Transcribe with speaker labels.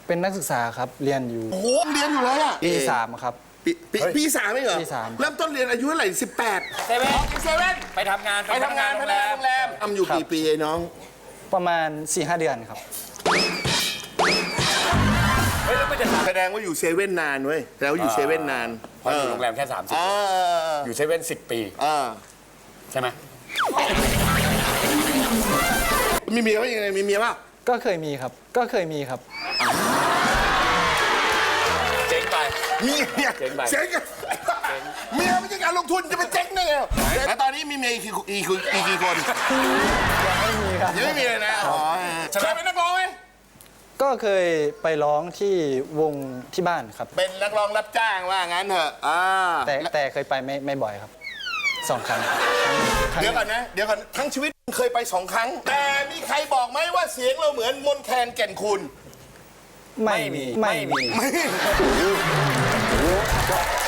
Speaker 1: เป็นนักศึกษาครับเรียนอยู่
Speaker 2: โอ้โหเรียนอยู่เลยอะ
Speaker 1: ปี3ครับ
Speaker 2: ปีสามไม่เหรอ
Speaker 1: ปีสาม
Speaker 2: เริ่มต้นเรียนอายุเท่าไหร่18
Speaker 3: เซเว่น
Speaker 2: เซเว่น
Speaker 3: ไปทำงาน
Speaker 2: ไปทำงาน
Speaker 3: โร
Speaker 2: พ
Speaker 3: ง
Speaker 2: นั
Speaker 3: แร
Speaker 2: กงาน
Speaker 3: ม
Speaker 2: โรงแรมทำอยู่กี่ปีไอ้น้อง
Speaker 1: ประมาณ 4-5 เดือนครับ
Speaker 3: เฮ้ยแล้วไม่จะถาม
Speaker 2: แสดงว่าอยู่เซเว่นนานเว้ยแล้วาอยู่เซเว่นนาน
Speaker 3: พออยู่โรงแรมแค่30
Speaker 2: อ่า
Speaker 3: อยู่เซเว่น10 ปี
Speaker 2: อ่า
Speaker 3: ใช่ไหม
Speaker 2: มีเมียว่ายังไงมีเมียป่ะ
Speaker 1: ก็เคยมีครับ ก็เคยมีครับ
Speaker 3: เจ๊งไป
Speaker 2: มีเมีย
Speaker 3: เจ๊งไป
Speaker 2: เจ๊งอะเมียไม่ใช่การลงทุนจะไปเจ๊งได้ไงแล้วตอนนี้มีเมียกี่คน
Speaker 1: ยังไม่มีครับ
Speaker 2: ยังไม่มีเลยนะอ๋อเคยเป็นนักร้องไหม
Speaker 1: ก็เคยไปร้องที่วงที่บ้านครับ
Speaker 2: เป็นนักร้องรับจ้างว่างั้นเถอะ
Speaker 1: แต่เคยไปไม่บ่อยครับ2 ครั้ง
Speaker 2: เดี๋ยวก่อนนะเดี๋ยวก่อนทั้งชีวิตเคยไป2 ครั้ง แต่มีใครบอกไหมว่าเสียงเราเหมือนมนแคนแก่นคุณ
Speaker 1: ไม่มี
Speaker 2: ไม่